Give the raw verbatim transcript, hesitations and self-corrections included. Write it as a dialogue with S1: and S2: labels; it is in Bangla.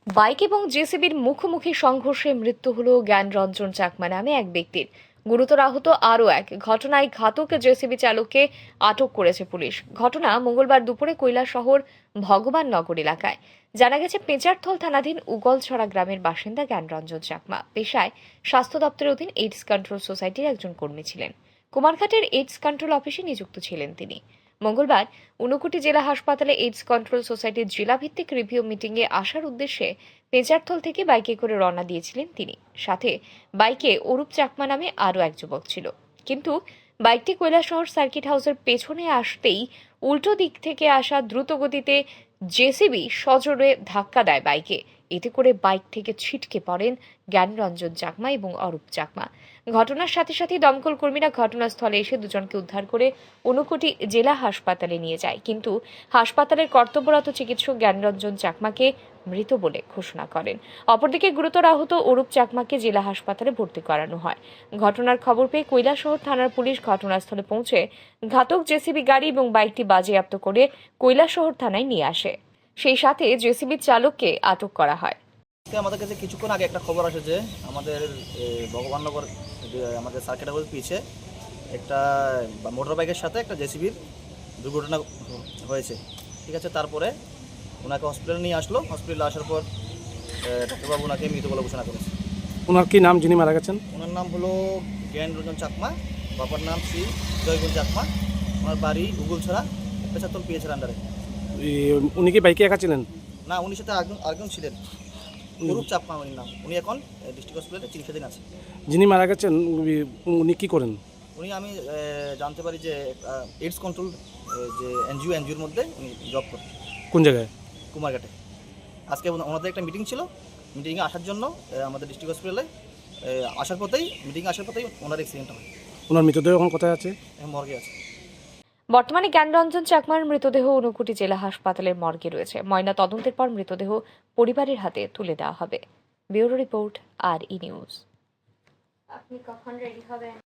S1: বাইক এবং জেসিবির মুখোমুখি সংঘর্ষে মৃত্যু হল জ্ঞানরঞ্জন চাকমা নামে এক ব্যক্তির। গুরুতর আহত আরও এক। ঘটনায় ঘাতক জেসিবি চালককে আটক করেছে পুলিশ। ঘটনা মঙ্গলবার দুপুরে কৈলাসহর ভগবাননগর এলাকায়। জানা গেছে, পেঁচারথল থানাধীন উগলছড়া গ্রামের বাসিন্দা জ্ঞানরঞ্জন চাকমা পেশায় স্বাস্থ্য দপ্তরের অধীন এইডস কন্ট্রোল সোসাইটির একজন কর্মী ছিলেন। কুমারঘাটের এইডস কন্ট্রোল অফিসে নিযুক্ত ছিলেন তিনি। মঙ্গলবার ঊনকোটি জেলা হাসপাতালে এইডস কন্ট্রোল সোসাইটির জেলাভিত্তিক রিভিউ মিটিংয়ে আসার উদ্দেশ্যে পেঁচারথল থেকে বাইকে করে রওনা দিয়েছিলেন তিনি। সাথে বাইকে অরূপ চাকমা নামে আরও এক যুবক ছিল। কিন্তু বাইকটি কৈলাসহর সার্কিট হাউসের পেছনে আসতেই উল্টো দিক থেকে আসা দ্রুত গতিতে জেসিবি সজোরে ধাক্কা দেয় বাইকে। এতে করে বাইক থেকে ছিটকে পড়েন জ্ঞানরঞ্জন চাকমা এবং অরূপ চাকমা। ঘটনার সাথে সাথে দমকল কর্মীরা ঘটনাস্থলে এসে দুজনকে উদ্ধার করে ঊনকোটি জেলা হাসপাতালে নিয়ে যায়, কিন্তু হাসপাতালের কর্তব্যরত চিকিৎসক জ্ঞানরঞ্জন চাকমাকে মৃত বলে ঘোষণা করেন। অপরদিকে গুরুতর আহত অরূপ চাকমাকে জেলা হাসপাতালে ভর্তি করানো হয়। ঘটনার খবর পেয়ে কৈলাসহর থানার পুলিশ ঘটনাস্থলে পৌঁছে ঘাতক জেসিবি গাড়ি এবং বাইকটি বাজেয়াপ্ত করে কৈলাসহর থানায় নিয়ে আসে। সেই সাথে জেসিবি চালককে আটক করা হয়।
S2: আমাদের কাছে কিছুক্ষণ আগে একটা খবর আসে যে আমাদের ভগবাননগর আমাদের সার্কিট হাউসের পিছে একটা মোটর বাইকের সাথে একটা জেসিবির দুর্ঘটনা হয়েছে। ঠিক আছে, তারপরে ওনাকে হসপিটালে নিয়ে আসলো। হসপিটালে আসার পর ডাক্তারবাবু ওনাকে মৃত বলে ঘোষণা করেছে।
S3: ওনার কি নাম যিনি মারা গেছেন?
S2: ওনার নাম হলো জ্ঞানরঞ্জন চাকমা, বাবার নাম শ্রী জয়গুণ চাকমা। ওনার বাড়ি উগুলছড়া, পেঁচারথল পিএইচের আন্ডারে।
S3: উনি কি বাইকে একা ছিলেন?
S2: না, উনির সাথে আরেকজন আরেকজন ছিলেন, অরূপ চাকমা উনির নাম। উনি এখন ডিস্ট্রিক্ট হসপিটালে চিকিৎসাধীন আছে।
S3: যিনি মারা গেছেন উনি কি করেন?
S2: উনি আমি জানতে পারি যে এইডস কন্ট্রোল যে এনজিও এনজিওর মধ্যে উনি জব করেন।
S3: কোন জায়গায়?
S2: কুমারঘাটে। আজকে ওনাদের একটা মিটিং ছিল, মিটিংয়ে আসার জন্য আমাদের ডিস্ট্রিক্ট হসপিটালে আসার পথেই মিটিংয়ে আসার পথেই ওনার অ্যাক্সিডেন্ট হয়।
S3: ওনার মৃতদেহ এখন কোথায় আছে?
S2: মর্গে আছে।
S1: বর্তমানে জ্ঞানরঞ্জন চাকমার মৃতদেহ ঊনকোটি জেলা হাসপাতালের মর্গে রয়েছে। ময়না তদন্তের পর মৃতদেহ পরিবারের হাতে তুলে দেওয়া হবে। ব্যুরো রিপোর্ট, আর ই নিউজ। আপনি কখন রেডি হবেন?